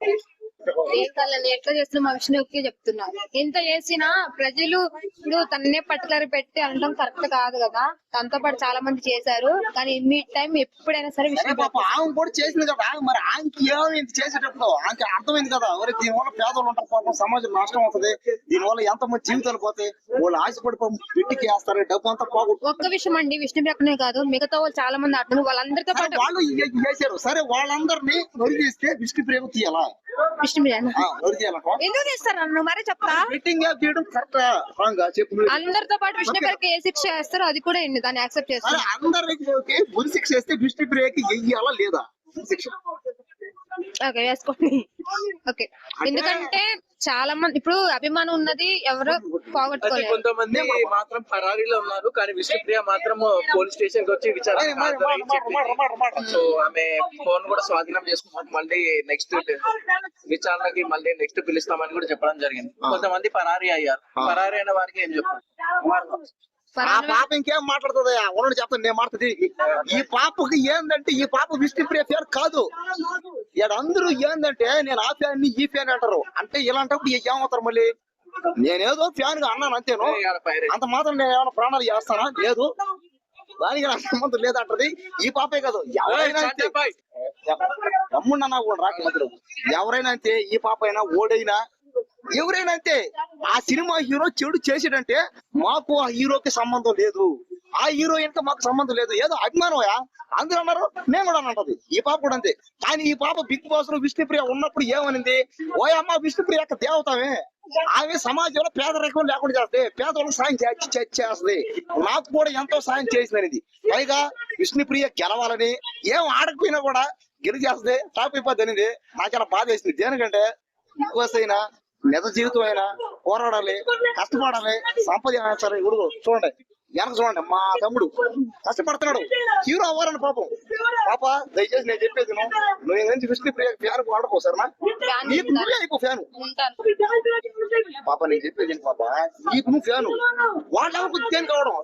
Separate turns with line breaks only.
ఎట్లా చేస్తున్నా మా విష్ణుకి చెప్తున్నారు. ఎంత చేసినా ప్రజలు ఇప్పుడు తన్నే పట్టుదల పెట్టి అనడం కరెక్ట్ కాదు కదా. తనతో పాటు చాలా మంది చేశారు, కానీ మీ టైం ఎప్పుడైనా సరే విష్ణు
ఆమె కూడా చేసింది కదా. మరి ఆమెకి ఏమైంది చేసేటప్పుడు ఆమెకి అర్థమైంది కదా. ఎవరి దీనివల్ల పేదలు ఉంటారు, పాపం సమాజం నష్టం అవుతుంది, దీనివల్ల ఎంతమంది జీవితాలు పోతాయి, వాళ్ళు ఆశపడి ఇంటికి వేస్తారు, డబ్బు అంతా పోగొట్టు.
ఒక్క విషయం అండి, విష్ణు ప్రక్కనే కాదు మిగతా వాళ్ళు చాలా మంది ఆడుతున్నారు, వాళ్ళందరితో పాటు
వాళ్ళు చేశారు. సరే వాళ్ళందరినీ నొరిగిస్తే విష్ణు ప్రేమ తీయాలా?
విష్ణు ఎందుకు చేస్తారు నన్ను మరీ చెప్తా. అందరితో పాటు విష్ణు గారికి ఏ శిక్ష వేస్తారో అది కూడా ఎన్ని దాన్ని యాక్సెప్ట్ చేస్తారు.
అందరికి ఉరి శిక్ష వేస్తే విష్ణు ప్రియకి వెయ్యాలా లేదా శిక్ష?
ఓకే వేసుకోండి. ఓకే, ఎందుకంటే చాలా మంది ఇప్పుడు అభిమానం ఉన్నది ఎవరు పోగొట్టుకోలేదు.
కొంతమంది మాత్రం పరారీలో ఉన్నారు, కానీ విష్ణుప్రియ మాత్రం పోలీస్ స్టేషన్ కి వచ్చి విచారణ. సో ఆమె ఫోన్ కూడా స్వాధీనం చేసుకున్నాం, మళ్ళీ నెక్స్ట్ విచారణకి మళ్ళీ నెక్స్ట్ పిలుస్తామని కూడా చెప్పడం జరిగింది. కొంతమంది పరారీ అయ్యారు. పరారీ అయిన వారికి ఏం చెప్పారు?
ఆ పాప ఇంకేం మాట్లాడుతుంది? ఉన్నది చెప్తాను నేను మాట్లాడుతుంది. ఈ పాపకి ఏందంటే ఈ పాప విష్ణుప్రియ పేరు కాదు. ఇక్కడ అందరూ ఏందంటే నేను ఆ ఫ్యాన్ ఈ ఫ్యాన్ అంటారు. అంటే ఇలాంటప్పుడు ఏమవుతారు? మళ్ళీ నేనేదో ఫ్యాన్ గా అన్నాను అంతేను, అంత మాత్రం నేను ఏమైనా ప్రాణాలు చేస్తానా? లేదు, దానికి నాకు సంబంధం లేదంటది. ఈ పాపే కాదు, ఎవరైనా తమ్ముడన్నా కూడా రాక మధ్యలో ఎవరైనా అంతే. ఈ పాప అయినా ఓడైనా ఎవరైనా అంతే. ఆ సినిమా హీరో చెడు చేసాడంటే మాకు ఆ హీరోకి సంబంధం లేదు, ఆ హీరోయిన్ కి మాకు సంబంధం లేదు. ఏదో అభిమానమయా అందరూ అన్నారు, నేను కూడా అంటది. ఈ పాప కూడా అంతే. కానీ ఈ పాప బిగ్ బాస్ లో విష్ణుప్రియ ఉన్నప్పుడు ఏమనింది? ఓయమ్మ విష్ణుప్రియ యొక్క దేవతమే, ఆమె సమాజంలో పేదరికం లేకుండా చేస్తే పేదవాళ్ళకి సాయం చేస్తుంది, నాకు కూడా ఎంతో సాయం చేసింది. పైగా విష్ణుప్రియ గెలవాలని ఏం ఆడకపోయినా కూడా గెలిచేస్తే టాప్ అయిపోద్ది అనేది నాకు చాలా బాధ వేసింది. దేనికంటే బిగ్ బాస్ అయినా నిజ జీవితం అయినా పోరాడాలి, కష్టపడాలి, సంపద సరే. ఇప్పుడు చూడండి, వెనక చూడండి, మా తమ్ముడు కష్టపడుతున్నాడు, హీరో అవ్వాలని పాపం. పాప దయచేసి నేను చెప్పేది నువ్వు నుంచి విష్ణుప్రియ ఫ్యాన్ వాడుకో సరేనా? నీకు నువ్వే అయిపో ఫ్యాను. పాప నేను చెప్పేది పాప, నీకు నువ్వు ఫ్యాను, వాళ్ళ దేనికి కావడం